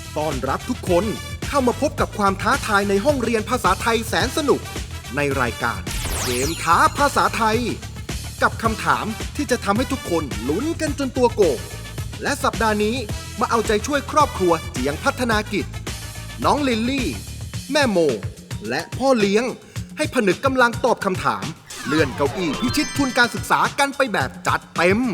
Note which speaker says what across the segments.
Speaker 1: ต้อนรับทุกคนเข้ามาพบกับความท้าทายในห้องเรียนภาษาไทยแสนสนุกในรายการเกมท้าภาษาไทยกับคำถามที่จะทำให้ทุกคนลุ้นกันจนตัวโก่งและสัปดาห์นี้มาเอาใจช่วยครอบครัวเจียงพัฒนากิจน้องลิลลี่แม่โมและพ่อเลี้ยงให้ผนึกกำลังตอบคำถามเลื่อนเก้าอี้พิชิตทุนการศึกษากันไปแบบจัดเต็ม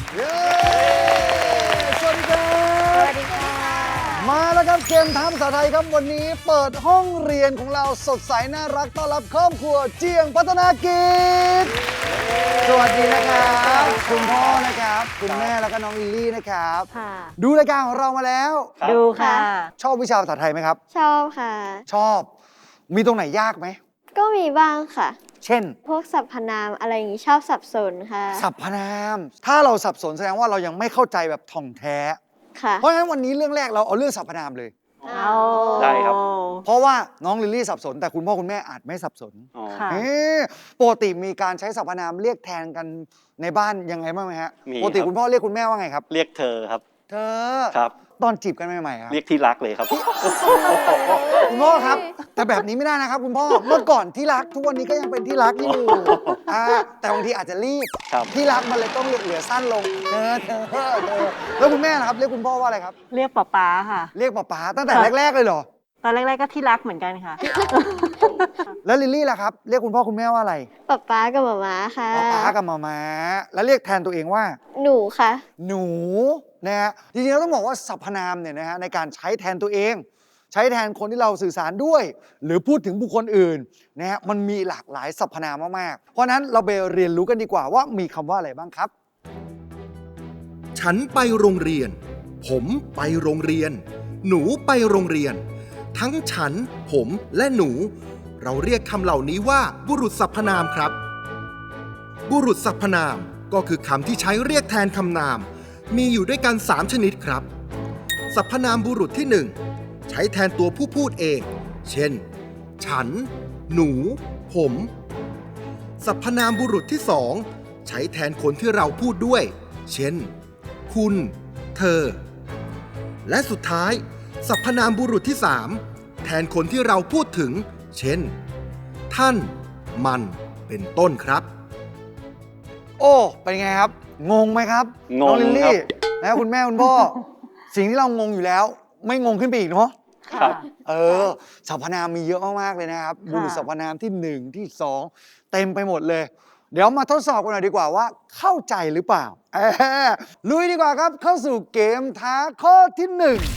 Speaker 2: สวัสดีครับสวัสดีค่ะมาแล้วครับเกมท้าภาษาไทยครับวันนี้เปิดห้องเรียนของเราสดใสน่ารักต้อนรับครอบครัวเจียงพัฒนากิจสวัสดีนะครับคุณพ่อนะครับคุณแม่แล้วก็น้องลิลลี่นะครับดูรายการของเรามาแล้ว
Speaker 3: ดูค่ะ
Speaker 2: ชอบวิชาภาษาไทยไหมครับ
Speaker 3: ชอบค่ะ
Speaker 2: ชอบมีตรงไหนยากไหม
Speaker 3: ก็มีบ้างค่ะ
Speaker 2: เช่น
Speaker 3: พวกสรรพนามอะไรอย่างนี้ชอบสับสนค่ะ
Speaker 2: สรรพนามถ้าเราสับสนแสดงว่าเรายังไม่เข้าใจแบบท่องแท้
Speaker 3: ค่ะ
Speaker 2: เพราะฉะนั้นวันนี้เรื่องแรกเราเอาเรื่องสรรพนามเลย
Speaker 4: ได้ครับ
Speaker 2: เพราะว่าน้องลิลลี่สับสนแต่คุณพ่อคุณแม่อาจไม่สับสนปกติมีการใช้สรรพนามเรียกแทนกันในบ้านยังไงบ้างไหมฮะปกติคุณพ่อเรียกคุณแม่ว่าไงครับ
Speaker 4: เรียกเธอครับ
Speaker 2: เธอ
Speaker 4: ครับ
Speaker 2: ตอนจีบกันใหม่ๆครับ
Speaker 4: เรียกที่รักเลยครับ
Speaker 2: คุณพ่อครับแต่แบบนี้ไม่ได้นะครับคุณพ่อเมื่อก่อนที่รักทุกวันนี้ก็ยังเป็นที่รักอยู่แต่บางทีอาจจะรีบที่รักมันเลยต้องเหลือสั้นลงเธอแล้วคุณแม่นะครับเรียกคุณพ่อว่าอะไรครับ
Speaker 5: เรียกป๊าค่ะ
Speaker 2: เรียกป๊าตั้งแต่แรกๆเลยเหรอ
Speaker 5: ตอนแรกๆก็ที่รักเหมือนกันค่ะ
Speaker 2: แล้วลิลลี่ล่ะครับเรียกคุณพ่อคุณแม่ว่าอะไร
Speaker 3: ป๊ากับหม่าค่ะ
Speaker 2: ป๊ากับหม่าแล้วเรียกแทนตัวเองว่า
Speaker 3: หนูค่ะ
Speaker 2: หนูนะฮะจริงๆเราต้องบอกว่าสรรพนามเนี่ยนะฮะในการใช้แทนตัวเองใช้แทนคนที่เราสื่อสารด้วยหรือพูดถึงบุคคลอื่นนะฮะมันมีหลากหลายสรรพนามมากๆเพราะนั้นเราไปเรียนรู้กันดีกว่าว่ามีคำว่าอะไรบ้างครับ
Speaker 1: ฉันไปโรงเรียนผมไปโรงเรียนหนูไปโรงเรียนทั้งฉันผมและหนูเราเรียกคำเหล่านี้ว่าบุรุษสรรพนามครับบุรุษสรรพนามก็คือคำที่ใช้เรียกแทนคำนามมีอยู่ด้วยกัน3ชนิดครับสรรพนามบุรุษที่1ใช้แทนตัวผู้พูดเองเช่นฉันหนูผมสรรพนามบุรุษที่2ใช้แทนคนที่เราพูดด้วยเช่นคุณเธอและสุดท้ายสรรพนามบุรุษที่3แทนคนที่เราพูดถึงเช่นท่านมันเป็นต้นครับ
Speaker 2: โอ้เป็นไงครับงงไหมครับ
Speaker 4: งง
Speaker 2: ลิลลี่นะคุณแม่คุณพ่อ สิ่งที่เรางงอยู่แล้วไม่งงขึ้นไปอีกเนาะ
Speaker 4: ครับ
Speaker 2: สรรพนามมีเยอะมากๆเลยนะครับบุรุษสรรพนามที่1ที่2เต็มไปหมดเลยเดี๋ยวมาทดสอบกันหน่อยดีกว่าว่าเข้าใจหรือเปล่าลุยดีกว่าครับเข้าสู่เกมท้าข้อที่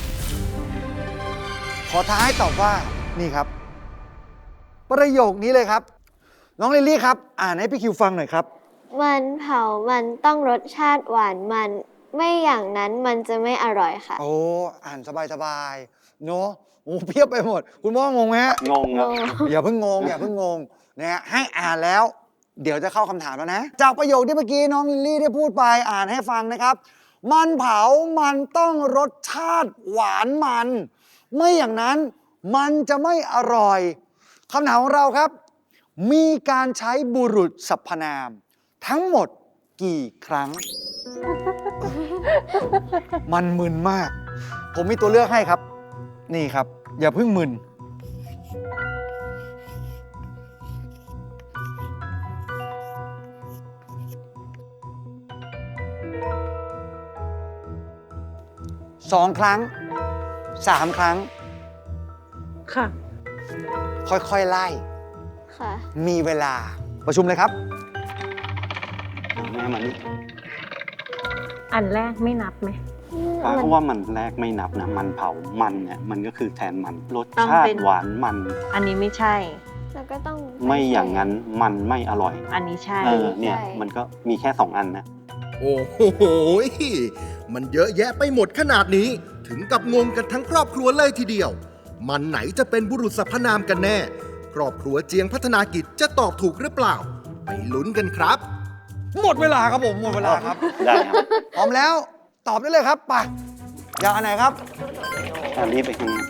Speaker 2: 1ขอท้าให้ตอบว่านี่ครับประโยคนี้เลยครับน้องลิลลี่ครับอ่านให้พี่คิวฟังหน่อยครับ
Speaker 3: มันเผามันต้องรสชาติหวานมันไม่อย่างนั้นมันจะไม่อร่อยค่ะ
Speaker 2: โอ้อ่านสบายๆเนาะโอ้เพียบไปหมดคุณพ่องงไหมฮะ
Speaker 4: งงครับ
Speaker 2: อย่าเพิ่งงงนะฮะให้อ่านแล้วเดี๋ยวจะเข้าคำถามแล้วนะจากประโยคที่เมื่อกี้น้องลิลลี่ได้พูดไปอ่านให้ฟังนะครับมันเผามันต้องรสชาติหวานมันไม่อย่างนั้นมันจะไม่อร่อยคำถามของเราครับมีการใช้บุรุษสรรพนามทั้งหมดกี่ครั้ง มันมึนมากผมมีตัวเลือกให้ครับนี่ครับอย่าเพิ่งมึน2 ครั้ง3 ครั้ง
Speaker 5: ค่ะ
Speaker 2: ค่อยๆไล่
Speaker 3: ค่ะ
Speaker 2: มีเวลาประชุมเลยครับ
Speaker 4: แม่มันนี่
Speaker 5: อันแรกไม่นับไหม
Speaker 4: เพราะว่ามันแรกไม่นับนะมันเผามันเนี่ยมันก็คือแทนมันรสชาติหวานมัน
Speaker 5: อันนี้ไม่ใช่
Speaker 3: แล้วก็ต้อง
Speaker 4: ไม่อย่างนั้นมันไม่อร่อย
Speaker 5: อันนี้ใช่
Speaker 4: เนี่ยมันก็มีแค่2 อันนะ
Speaker 1: โอ้โหมันเยอะแยะไปหมดขนาดนี้ถึงกับงงกันทั้งครอบครัวเลยทีเดียวมันไหนจะเป็นบุรุษสรรพนามกันแน่ครอบครัวเจียงพัฒนากิจจะตอบถูกหรือเปล่าไปลุ้นกันครับ
Speaker 2: หมดเวลาครับผมหมดเวลาครับ
Speaker 4: ได้ครับ
Speaker 2: พร้อมแล้วตอบได้เลยครับไปอยากอันไหนครับ
Speaker 4: อันนี้ไปข้างหน้า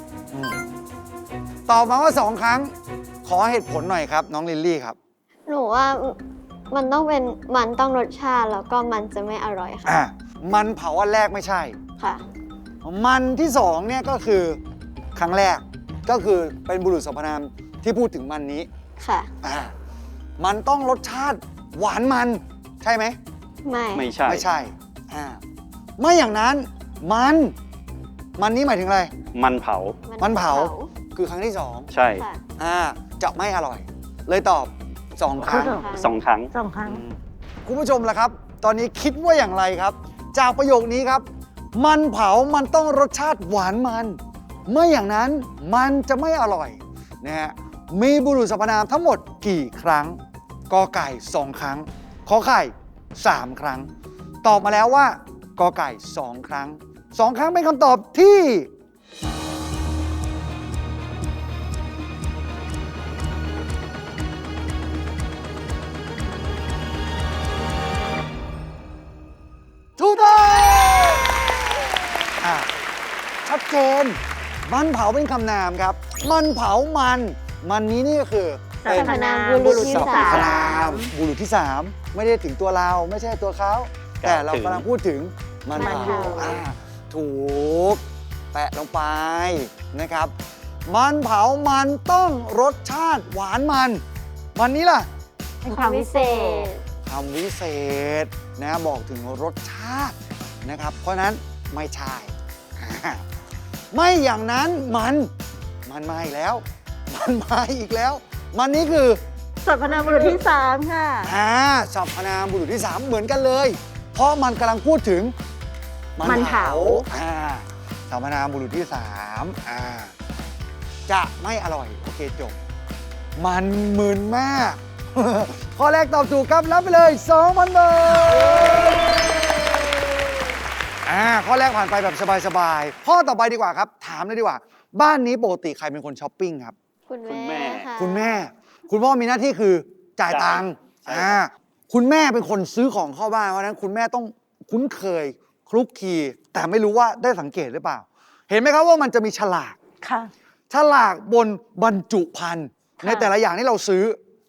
Speaker 2: ตอบมาว่า2 ครั้งขอเหตุผลหน่อยครับน้องลิลลี่ครับ
Speaker 3: หนูว่ามันต้องเป็นมันต้องรสชาติแล้วก็มันจะไม่อร่อยค่ะ
Speaker 2: มันเผาอันแรกไม่ใช่
Speaker 3: ค่ะ
Speaker 2: มันที่สองเนี่ยก็คือครั้งแรกก็คือเป็นบุรุษสรรพนามที่พูดถึงมันนี้
Speaker 3: ค่ะ
Speaker 2: มันต้องรสชาติหวานมันใช่ไหม
Speaker 3: ไม่
Speaker 4: ไม่ใช่
Speaker 2: ไม่ใช่ไม่อย่างนั้นมันนี้หมายถึงอะไร
Speaker 4: มันเผา
Speaker 2: มันเผาคือครั้งที่สอง
Speaker 4: ใช่
Speaker 3: ค่ะ
Speaker 2: จะไม่อร่อย เลยตอบสองครั้ง
Speaker 4: สองครั้ง
Speaker 5: 2 ครั้ง
Speaker 2: คุณผู้ชมล่ะครับ ตอนนี้คิดว่าอย่างไรครับ จากประโยคนี้ครับ มันเผามันต้องรสชาติหวานมันไม่อย่างนั้นมันจะไม่อร่อยนะฮะมีบุรุษสรรพนามทั้งหมดกี่ครั้งกอไก่2 ครั้งขอไข่3 ครั้ง ตอบมาแล้วว่ากอไก่2 ครั้ง2 ครั้งเป็นคำตอบที่ถูกต้องชัดเจนมันเผาเป็นคำนามครับ มันเผามันนี้นี่ก็คือ
Speaker 5: สรรพนาม
Speaker 3: บุรุษที่
Speaker 2: สรร
Speaker 3: สา
Speaker 2: พ
Speaker 3: ม
Speaker 2: นามบุรุษที่ 3 ไม่ได้ถึงตัวเราไม่ใช่ตัวเขาแต่เรากำลังพูดถึงมันเผาถูกแปะลงไปนะครับ มันเผามันต้องรสชาติหวานมันนี้ล่ะ
Speaker 5: เป็นความวิเศษ
Speaker 2: คำวิเศษนะบอกถึงรสชาตินะครับ เพราะนั้นไม่ใช่ ไม่อย่างนั้นมันมาอีกแล้ว มันมาอีกแล้ว มันนี้คือ
Speaker 5: สรรพนามบุรุษที่ 3 ค่ะ
Speaker 2: สรรพนามบุรุษที่ 3 เหมือนกันเลย เพราะมันกำลังพูดถึง
Speaker 5: มันเผา
Speaker 2: สรรพนามบุรุษที่ 3จะไม่อร่อยโอเคจบมันมึนมาก ข้อแรกตอบถูกครับรับไปเลย 2,000 บาทข้อแรกผ่านไปแบบสบายๆข้อต่อไปดีกว่าครับ ถามเลยดีกว่า บ้านนี้ปกติใครเป็นคนช้อปปิ้งครับ
Speaker 3: คุณ
Speaker 4: คุณแม่
Speaker 3: แม่ค่ะ
Speaker 2: คุณแม่ คุณพ่อมีหน้าที่คือจ่ายตังค์
Speaker 4: ใช่ครับ
Speaker 2: คุณแม่เป็นคนซื้อของเข้าบ้านเพราะฉะนั้นคุณแม่ต้องคุ้นเคยคลุกคลีแต่ไม่รู้ว่าได้สังเกตหรือเปล่า เห็นไหมครับว่ามันจะมีฉลาก
Speaker 5: ค่ะ
Speaker 2: ฉลากบนบรรจุภัณฑ์
Speaker 5: ค่ะ
Speaker 2: ในแต่ละอย่างที่เราซื้อ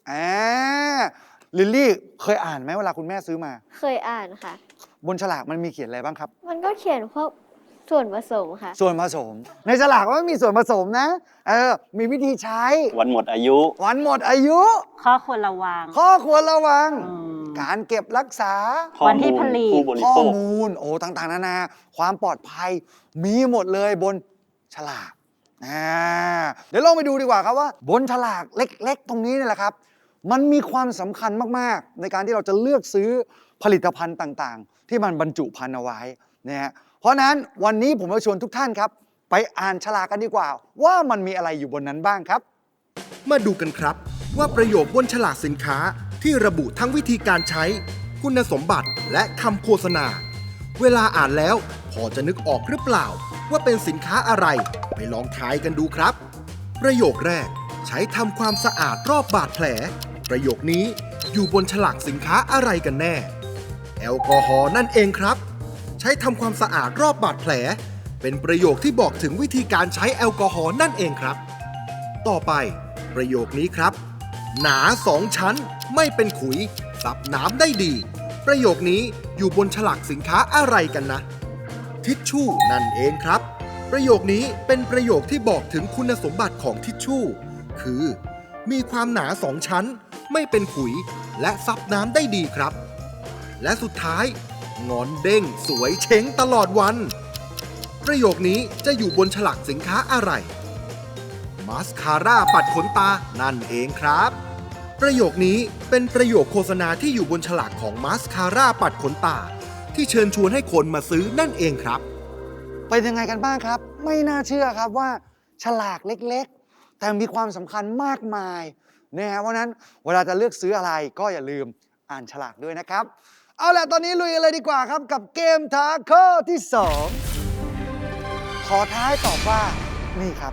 Speaker 2: ลิลลี่เคยอ่านไหมเวลาคุณแม่ซื้อมา
Speaker 3: เคยอ่านค่ะ
Speaker 2: บนฉลากมันมีเขียนอะไรบ้างครับ
Speaker 3: มันก็เขียนพวกส่วนผสมค่ะ
Speaker 2: ส่วนผสม ในฉลากมันมีส่วนผสมนะมีวิธีใช้
Speaker 4: วันหมดอายุ
Speaker 2: วันหมดอายุ
Speaker 5: ข้อควรระวัง
Speaker 2: ข้อควรระวัง
Speaker 5: อืม
Speaker 2: การเก็บรักษา
Speaker 4: ข้อ
Speaker 5: วันที่
Speaker 4: มูล
Speaker 5: ผลิต
Speaker 4: ผู้บริ
Speaker 2: ข้อ
Speaker 4: โภค
Speaker 2: มูลต่างๆนานาความปลอดภัยมีหมดเลยบนฉลากเดี๋ยวลองไปดูดีกว่าครับว่า บนฉลากเล็กๆ ตรงนี้นี่แหละครับ มันมีความสำคัญมากๆ ในการที่เราจะเลือกซื้อผลิตภัณฑ์ต่างๆ ที่มันบรรจุภัณฑ์เอาไว้นะฮะเพราะนั้นวันนี้ผมจะชวนทุกท่านครับ ไปอ่านฉลากกันดีกว่า ว่ามันมีอะไรอยู่บนนั้นบ้างครับ
Speaker 1: มาดูกันครับว่าประโยคบนฉลากสินค้าที่ระบุทั้งวิธีการใช้ คุณสมบัติและคำโฆษณา เวลาอ่านแล้วพอจะนึกออกหรือเปล่า ว่าเป็นสินค้าอะไรไปลองทายกันดูครับ ประโยคแรกใช้ทำความสะอาดรอบบาดแผล ประโยคนี้อยู่บนฉลากสินค้าอะไรกันแน่ แอลกอฮอล์นั่นเองครับ ใช้ทำความสะอาดรอบบาดแผล เป็นประโยคที่บอกถึงวิธีการใช้แอลกอฮอล์นั่นเองครับ ต่อไปประโยคนี้ครับ หนา2 ชั้นไม่เป็นขุยซับน้ำได้ดี ประโยคนี้อยู่บนฉลากสินค้าอะไรกันนะ ทิชชู่นั่นเองครับ ประโยคนี้เป็นประโยคที่บอกถึงคุณสมบัติของทิชชู่คือ มีความหนา2 ชั้น ไม่เป็นขุยและซับน้ำได้ดีครับ และสุดท้ายงอนเด้งสวยเช้งตลอดวัน ประโยคนี้จะอยู่บนฉลากสินค้าอะไรมาสคาร่าปัดขนตานั่นเองครับ ประโยคนี้เป็นประโยคโฆษณาที่อยู่บนฉลากของมาสคาร่าปัดขนตาที่เชิญชวนให้คนมาซื้อนั่นเองครับ
Speaker 2: เป็นยังไงกันบ้างครับ ไม่น่าเชื่อครับว่าฉลากเล็กๆ แต่มีความสำคัญมากมายนะฮะเพราะฉะนั้นเวลาจะเลือกซื้ออะไรก็อย่าลืมอ่านฉลากด้วยนะครับ เอาล่ะตอนนี้ลุยกันเลยดีกว่าครับกับเกมท้าข้อที่ 2 ขอท้ายตอบว่านี่ครับ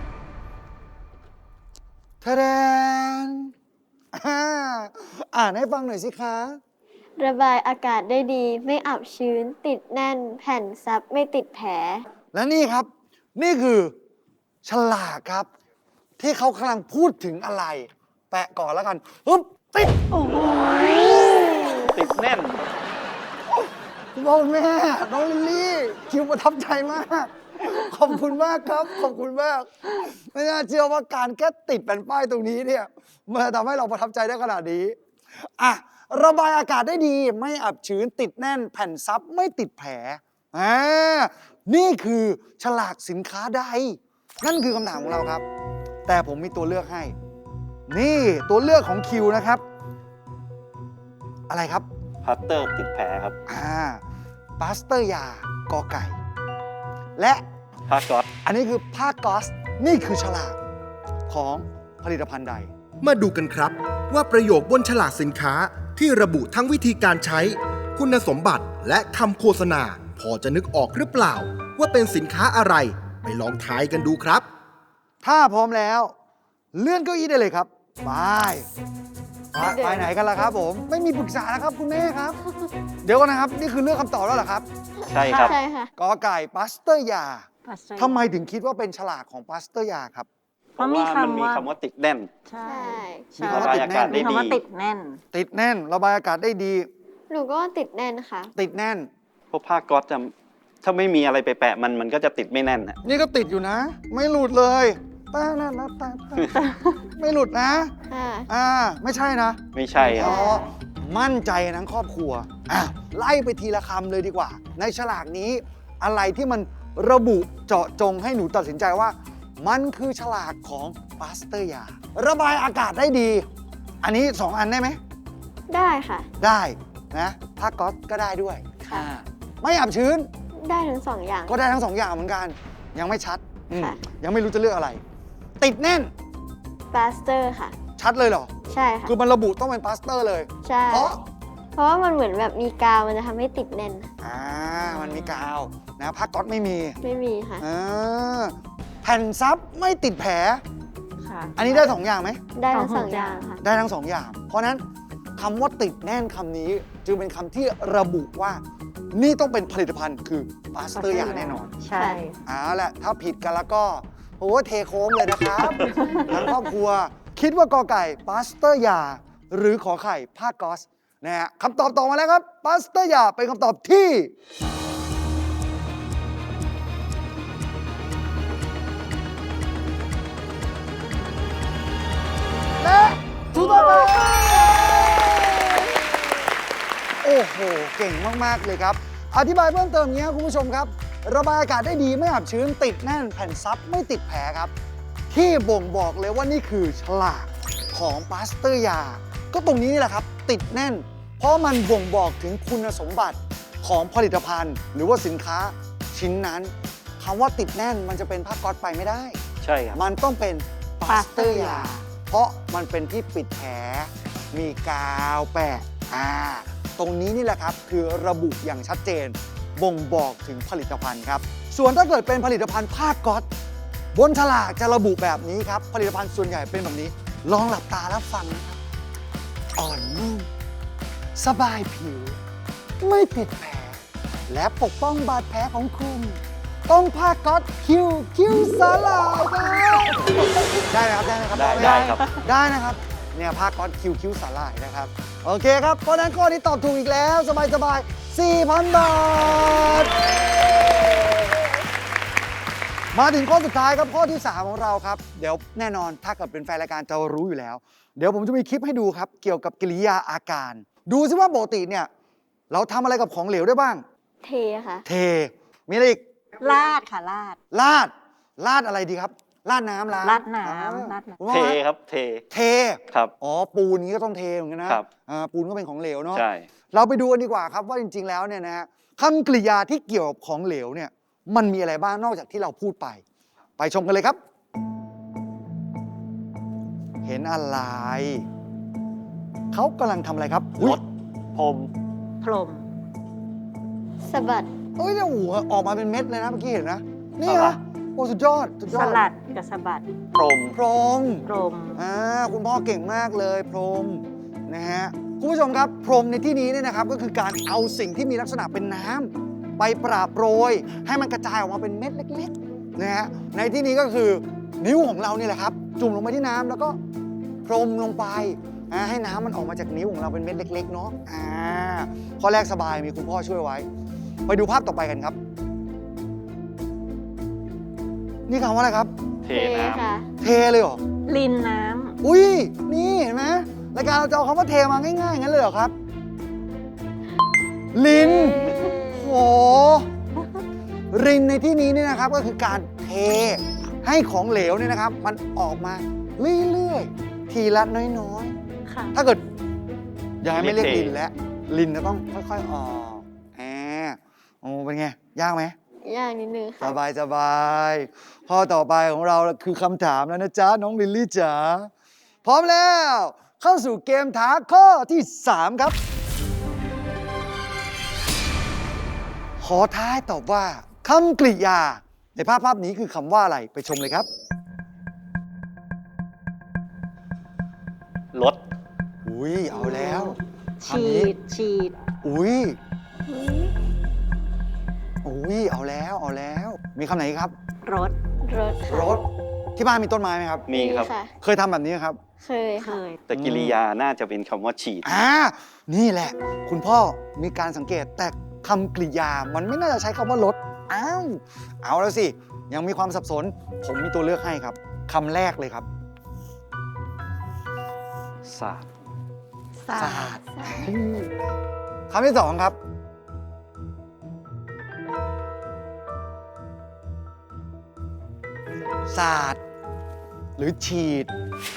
Speaker 2: ทะแดนอ่านให้ฟังหน่อยสิคะ
Speaker 3: ระบายอากาศได้ดีไม่อับชื้น ติดแน่น แผ่นซับไม่ติดแผล
Speaker 2: และนี่ครับ นี่คือฉลากครับ ที่เขากำลังพูดถึงอะไร แปะก่อนแล้วกันปึ๊บติด
Speaker 5: โอ้โห
Speaker 4: ติดแน่น
Speaker 2: คุณพ่อคุณแม่น้องลิลลี่คิวประทับใจมากขอบคุณมากครับ ขอบคุณมาก ไม่น่าเชื่อว่าการแค่ติดแผ่นป้ายตรงนี้เนี่ยมันทำให้เราประทับใจได้ขนาดนี้อ่ะระบายอากาศได้ดีไม่อับชื้นติดแน่นแผ่นซับไม่ติดแผลอ่านี่คือฉลากสินค้าใดนั่นคือคำถามของเราครับ แต่ผมมีตัวเลือกให้ นี่ตัวเลือกของคิวนะครับ อะไรครับ
Speaker 4: พัตเตอร์ติดแผลครับ
Speaker 2: ปาสเตอร์ยากอไก่ และ
Speaker 4: ผ้าก๊อซ
Speaker 2: อันนี้คือผ้าก๊อซนี่คือฉลากของผลิตภัณฑ์ใด
Speaker 1: มาดูกันครับว่าประโยคบนฉลากสินค้าที่ระบุทั้งวิธีการใช้ คุณสมบัติและคำโฆษณา พอจะนึกออกหรือเปล่า ว่าเป็นสินค้าอะไร ไปลองทายกันดูครับ
Speaker 2: ถ้าพร้อมแล้ว เลื่อนเก้าอี้ได้เลยครับไปไปไหนกันล่ะครับผม ไม่มีปรึกษาแล้วครับคุณแม่ครับ เดี๋ยวก่อนนะครับ นี่คือเลือกคำตอบแล้วเหรอครับ
Speaker 4: ใช่ครับ
Speaker 3: ใช่ค่ะ
Speaker 2: กอไก่ปาสเตอร์ยา
Speaker 5: ปัสสาวะ
Speaker 2: ทำไมถึงคิดว่าเป็นฉลากของปาสเตอร์ยาครับ
Speaker 5: เพราะมี
Speaker 4: มันมี
Speaker 5: คำว่า
Speaker 4: คำว่าติดแน่น
Speaker 5: ใช่
Speaker 3: ใช่
Speaker 2: มี
Speaker 4: ระ
Speaker 2: คำว่า
Speaker 4: บาย
Speaker 2: ติด
Speaker 4: อา
Speaker 2: แน่
Speaker 4: กาศ
Speaker 2: น
Speaker 4: ได้
Speaker 5: มี
Speaker 4: ดี
Speaker 5: คำว่าติดแน่น
Speaker 2: ติดแน่น ระบายอากาศได้ดี
Speaker 3: หนูก็ติดแน่นค่ะ
Speaker 2: ติดแน่น
Speaker 4: เพราะผ้าก๊อซจะถ้าไม่มีอะไรไปแปะมันก็จะติดไม่แน่นฮะ
Speaker 2: นี่ก็ติดอยู่นะ ไม่หลุดเลยตานะนะตาไม่หลุดนะ
Speaker 3: ค่ะ
Speaker 2: ไม่ใช่นะ
Speaker 4: ไม่ใช่ค
Speaker 2: อ๋
Speaker 4: รั
Speaker 2: อบ มั่นใจทั้งครอบครัวอ่ะไล่ไปทีละคำเลยดีกว่า ในฉลากนี้อะไรที่มันระบุเจาะจงให้หนูตัดสินใจว่า มันคือฉลากของปาสเตอร์ยา ระบายอากาศได้ดี อันนี้ 2 อันได้ไหม
Speaker 3: ได้ค่ะ
Speaker 2: ได้นะผ้าก๊อซก็ได้ด้วย
Speaker 3: ค่ะ
Speaker 2: ไม่อับชื้น
Speaker 3: ได้ทั้งสองอย่าง
Speaker 2: ก็ได้ทั้ง 2 อย่างเหมือนกัน ยังไม่ชัดอืม
Speaker 3: ค่ะ
Speaker 2: ยังไม่รู้จะเลือกอะไร ติดแน่น
Speaker 3: ปาสเตอร์ค่ะ
Speaker 2: ชัดเลยเหรอ
Speaker 3: ใช่ค่ะ
Speaker 2: คือมันระบุต้องเป็นปาสเตอร์เลย
Speaker 3: ใช่
Speaker 2: เพราะ
Speaker 3: เพราะว่ามันเหมือนแบบมีกาวมันจะทำให้ติดแน่น
Speaker 2: มันมีกาวนะผ้าก๊อซไม่มี
Speaker 3: ไม่มีค่ะ
Speaker 2: แผ่นซับไม่ติดแผล
Speaker 5: ค่ะ
Speaker 2: อันนี้ได้ 2 อย่างไหม
Speaker 3: ได้ทั้ง
Speaker 5: ส
Speaker 3: ส
Speaker 5: อ
Speaker 3: อง งอย่
Speaker 5: อา
Speaker 3: ย่าง งค่ะ
Speaker 2: ได้ทั้ง 2 อย่าง เพราะฉะนั้นคำว่าติดแน่นคำนี้ จึงเป็นคำที่ระบุว่า นี่ต้องเป็นผลิตภัณฑ์คือปาสเตอร์ยาแน่นอน
Speaker 5: ใช่
Speaker 2: เอาละถ้าผิดกันแล้วก็โอ้เทโค้งเลยนะครับ ทั้งครอบครัว คิดว่ากอไก่ปาสเตอร์ยา หรือขอไข่ผ้าก๊อซนะฮะคำตอบต่อมาแล้วครับปาสเตอร์ยาเป็นคำตอบที่ และถูกต้องครับโอ้โห เก่งมาก ๆ เลยครับ อธิบายเพิ่มเติมอย่างนี้ครับคุณผู้ชมครับ ระบายอากาศได้ดีไม่อับชื้นติดแน่นแผ่นซับไม่ติดแผลครับ ที่บ่งบอกเลยว่านี่คือฉลากของปาสเตอร์ยา ก็ตรงนี้นี่แหละครับ ติดแน่น เพราะมันบ่งบอกถึงคุณสมบัติของผลิตภัณฑ์ หรือว่าสินค้าชิ้นนั้นคำว่าติดแน่นมันจะเป็นผ้าก๊อซไปไม่ได้
Speaker 4: ใช่ครับ
Speaker 2: มันต้องเป็นปาสเตอร์ยา เพราะมันเป็นที่ปิดแผล มีกาวแปะตรงนี้นี่แหละครับ คือระบุอย่างชัดเจน บ่งบอกถึงผลิตภัณฑ์ครับ ส่วนถ้าเกิดเป็นผลิตภัณฑ์ผ้าก๊อซบนฉลากจะระบุแบบนี้ครับ ผลิตภัณฑ์ส่วนใหญ่เป็นแบบนี้ ลองหลับตาแล้วฟังนะครับ อ่อนนุ่ม สบายผิว ไม่ติดแผล และปกป้องบาดแผลของคุณ ต้องผ้าก๊อซคิวสลายครับได้ไหมครับได้ไหมครับ
Speaker 4: ได้ครับ
Speaker 2: ได้นะครับ เนี่ยผ้าก๊อซคิวสลายนะครับ โอเคครับ เพราะฉะนั้นข้อนี้ตอบถูกอีกแล้ว สบาย 4,000 บาท มาถึงข้อสุดท้ายครับ ข้อที่ 3 ของเราครับ เดี๋ยวแน่นอนถ้าเกิดเป็นแฟนรายการจะรู้อยู่แล้ว เดี๋ยวผมจะมีคลิปให้ดูครับ เกี่ยวกับกิริยาอาการ ดูซิว่าปกติเนี่ยเราทำอะไรกับของเหลวได้บ้าง
Speaker 3: เทค่ะ
Speaker 2: เท มีอะไรอีก
Speaker 5: ลาดค่ะลาด
Speaker 2: ลาดอะไรดีครับ ลาดน้ำล้าง
Speaker 5: ราดน้ำ
Speaker 2: อ่
Speaker 5: ราดน้ำ
Speaker 2: คุณพ่อ
Speaker 4: เท
Speaker 2: ฮะ
Speaker 4: ครับเท
Speaker 2: เท
Speaker 4: ครับ
Speaker 2: อ๋อ ปูนนี้ก็ต้องเทเหมือนกันนะครับ ปูนก็เป็นของเหลวเนาะ
Speaker 4: ใช่
Speaker 2: เราไปดูกันดีกว่าครับว่าจริง ๆ แล้วเนี่ยนะฮะคำกริยาที่เกี่ยวกับของเหลวเนี่ยมันมีอะไรบ้างนอกจากที่เราพูดไป ไปชมกันเลยครับ เห็นอะไร เขากำลังทำอะไรครับ
Speaker 4: รถพรม
Speaker 5: พรม
Speaker 3: สะบัด
Speaker 2: เฮ้ยเนี่ยหัวออกมาเป็นเม็ดเลยนะเมื่อกี้เห็นนะนี่
Speaker 4: สลั
Speaker 2: นะ
Speaker 4: ด
Speaker 2: โอ้สุดยอดสุดย
Speaker 5: ส
Speaker 2: อด
Speaker 5: ลัดกับสะบัด
Speaker 4: พรม
Speaker 2: พรม
Speaker 5: พรม
Speaker 2: คุณพ่อเก่งมากเลยพรมนะฮะคุณผู้ชมครับพรมในที่นี้เนี่ยนะครับก็คือการเอาสิ่งที่มีลักษณะเป็นน้ำไปปราบโปรย ให้มันกระจายออกมาเป็นเม็ดเล็กๆนะฮะในที่นี้ก็คือนิ้วของเรานี่แหละครับ จุ่มลงไปที่น้ำแล้วก็พรมลงไปให้น้ำมันออกมาจากนิ้วของเราเป็นเม็ดเล็กๆเนาะข้อแรกสบายมีคุณพ่อช่วยไว้ ไปดูภาพต่อไปกันครับนี่คำว่าอะไรครับ
Speaker 4: เท
Speaker 3: เท
Speaker 4: น้
Speaker 3: ค่ะ
Speaker 2: เทเลยเหรอ
Speaker 5: ลินน้
Speaker 2: อุ้ย นี่เห็นไหมรายการเราจะเอาคำว่าเทมาง่ายๆอย่างนั้นเลยเหรอครับ ลิน โห รินในที่นี้เนี่ยนะครับก็คือการเทให้ของเหลวเนี่ยนะครับ มันออกมาเรื่อยๆ ทีละน้อย
Speaker 5: ำค่ะ
Speaker 2: ๆ ถ้าเกิดอย่าให้ไม่เรียกลินแล้ว ลินจะต้องค่อยๆออกโอ้เป็นไง ยากไหม
Speaker 3: ยากนิดนึง
Speaker 2: ส
Speaker 3: ค่ะ
Speaker 2: บายสบายข้อต่อไปของเราคือคำถามแล้วนะจ๊ะ น้องลิลลี่จ๋าพร้อมแล้ว เข้าสู่เกมท้าข้อที่ 3 ครับ ขอท้ายตอบว่าคำกริยา ในภาพนี้คือคำว่าอะไรไปชมเลยครับ
Speaker 4: ำรถ
Speaker 2: อุ้ยเอาแล้วคำ
Speaker 5: ฉี
Speaker 2: นี้
Speaker 5: ด ฉีด
Speaker 2: อุ้ยเอาแล้ว มีคำไหนอีกครับ
Speaker 5: รถ
Speaker 3: รถค่ะ
Speaker 2: รถที่บ้านมีต้นไม้ไหมครับ
Speaker 4: มีครับ
Speaker 3: ค่ะ
Speaker 2: เคยทำแบบนี้ไหมครับ
Speaker 3: เคย
Speaker 5: เค
Speaker 3: ค่ะ
Speaker 5: ย
Speaker 4: แต่กิริยาน่าจะเป็นคำว่าฉีด
Speaker 2: นี่แหละ คุณพ่อมีการสังเกตแต่คำกริยามันไม่น่าจะใช้คำว่ารถเอาแล้วสิ ยังมีความสับสน ผมมีตัวเลือกให้ครับคำแรกเลยครับ
Speaker 4: ศาสตร์
Speaker 5: ศาสตร์
Speaker 2: คำที่ 2 ครับ ศาสตร์หรือฉีด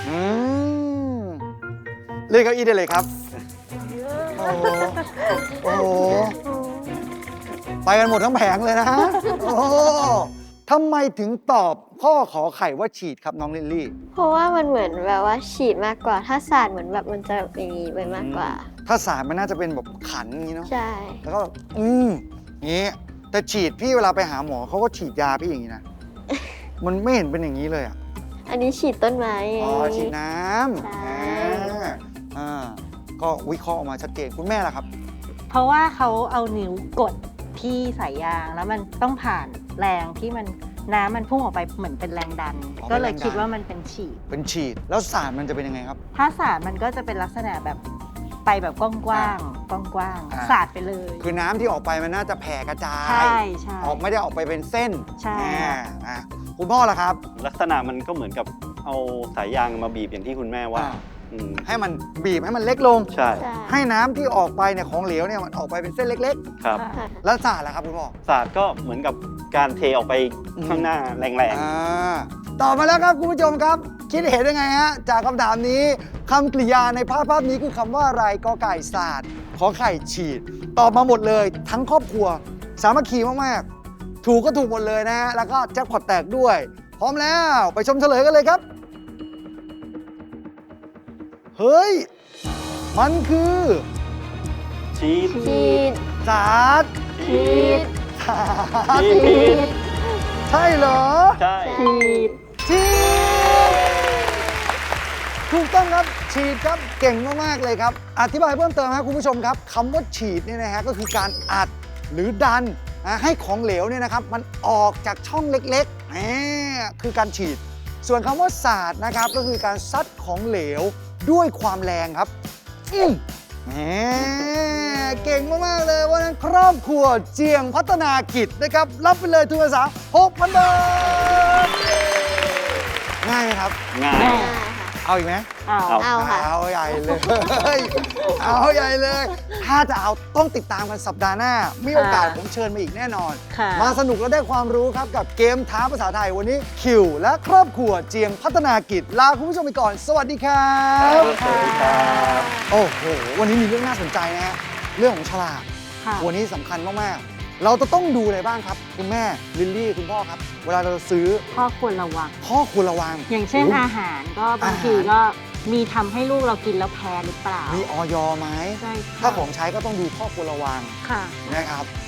Speaker 2: เรียกเก้าอี้ได้เลยครับ โอ้โห ไปกันหมดทั้งแผงเลยนะ โอ้ทำไมถึงตอบข้อขอไข่ว่าฉีดครับน้องลิลลี่
Speaker 3: เพราะว่ามันเหมือนแบบว่าฉีดมากกว่า ถ้าศาสตร์เหมือนแบบมันจะอย่างนี้ไปมากกว่า
Speaker 2: ถ้าศาสตร์มันน่าจะเป็นแบบขันอย่างนี้เนาะ
Speaker 3: ใช่
Speaker 2: แล้วก็งี้ แต่ฉีดพี่เวลาไปหาหมอเขาก็ฉีดยาพี่อย่างนี้นะ มันไม่เห็นเป็นอย่างนี้เลยอ่ะ
Speaker 3: อันนี้ฉีดต้นไม้ไง
Speaker 2: อ๋อ ฉีดน้
Speaker 3: ใช่
Speaker 2: ำก็วิเคราะห์ออกมาชัดเจน คุณแม่ล่ะครับ
Speaker 5: เพราะว่าเขาเอานิ้วกดที่สายยาง แล้วมันต้องผ่านแรงที่มันน้ำมันพุ่งออกไปเหมือนเป็นแรงดัน
Speaker 2: อ๋อ
Speaker 5: ก็เลย
Speaker 2: เป็นแรงดัน
Speaker 5: คิดว่ามันเป็นฉีด
Speaker 2: เป็นฉีด แล้วศาสตร์มันจะเป็นยังไงครับ
Speaker 5: ถ้าศาสตร์มันก็จะเป็นลักษณะแบบไปแบบกว้างๆกว้าง
Speaker 2: อ่า
Speaker 5: ๆศาสตร์ไปเลย
Speaker 2: คือน้ำที่ออกไปมันน่าจะแผ่กระจาย
Speaker 5: ใช่ใช่
Speaker 2: ออกไม่ได้ออกไปเป็นเส้น
Speaker 5: ใช่
Speaker 2: คุณพ่อล่ะครับ
Speaker 4: ลักษณะมันก็เหมือนกับเอาสายยางมาบีบอย่างที่คุณแม่ว่า
Speaker 2: อ่า
Speaker 4: อืม
Speaker 2: ให้มันบีบให้มันเล็กลง
Speaker 4: ใช่
Speaker 3: ใช่
Speaker 2: ให้น้ำที่ออกไปเนี่ยของเหลวเนี่ยมันออกไปเป็นเส้นเล็ก
Speaker 4: ครับ
Speaker 3: ค่ะ
Speaker 2: ๆ แล้วศาสตร์ล่ะครับคุณพ่อ
Speaker 4: ศาสตร์ก็เหมือนกับการเทออกไปข้างหน้าแรง
Speaker 2: ตอบมาแล้วครับคุณผู้ชมครับ คิดเห็นยังไงฮะจากคำถามนี้คำกริยาในภาพนี้คือคำว่าอะไรกอไก่ศาสตร์ขอไข่ฉีด ตอบมาหมดเลย ทั้งครอบครัว สามัคคีมากๆ ถูกก็ถูกหมดเลยนะฮะแล้วก็แจ็คพอตแตกด้วย พร้อมแล้วไปชมเฉลยกันเลยครับ เฮ้ย มันคือ
Speaker 4: ๆฉีด
Speaker 3: ฉีด
Speaker 2: ศาสตร์
Speaker 3: ฉีด
Speaker 2: ศาสตร์
Speaker 4: ฉีด
Speaker 2: ใช่เหรอ
Speaker 4: ใช่
Speaker 5: ฉีด
Speaker 2: ฉีดถูกต้องครับฉีดครับเก่งมากๆเลยครับ อธิบายเพิ่มเติมครับคุณผู้ชมครับคำว่าฉีดเนี่ยนะฮะก็คือการอัดหรือดันให้ของเหลวเนี่ยนะครับมันออกจากช่องเล็กๆคือการฉีด ส่วนคำว่าสาดนะครับก็คือการซัดของเหลวด้วยความแรงครับแหมเก่งมากๆเลยวันนั้นครอบครัวเจียงพัฒนากิจนะครับรับไปเลยทุนการศึกษา 6,000 บาทง่ายไหมครับ
Speaker 4: ง่าย
Speaker 3: ได้ค่ะ
Speaker 2: เอาอีกไหม
Speaker 5: เอา
Speaker 3: เอาค่ะ
Speaker 2: เอาใหญ่เลย เอาใหญ่เลย ถ้าจะเอาต้องติดตามกันสัปดาห์หน้า มีโอกาสผมเชิญมาอีกแน่นอน
Speaker 5: ค่ะ
Speaker 2: มาสนุกและได้ความรู้ครับกับเกมท้าภาษาไทยวันนี้คิว และครอบครัวเจียงพัฒนากิจลาคุณผู้ชมไปก่อน สวัสดีครับ
Speaker 4: สวัสดีครับ
Speaker 2: โอ้โห วันนี้มีเรื่องน่าสนใจนะฮะ เรื่องของฉลาก
Speaker 5: ค่ะ
Speaker 2: วันนี้สำคัญมาก ๆ เราจะต้องดูอะไรบ้างครับ คุณแม่ ลิลลี่ คุณพ่อครับ เวลาเราจะซื้อ
Speaker 5: ข้อควรระวัง
Speaker 2: ข้อควรระวัง
Speaker 5: อย่างเช่นอาหารก็บางทีก็มีทำให้ลูกเรากินแล้วแพ้หรือเปล่า
Speaker 2: มีออยไหม
Speaker 5: ใช่ค่ะ
Speaker 2: ถ้าของใช้ก็ต้องดูข้อควรระวัง
Speaker 5: ค่ะ
Speaker 2: นะครับ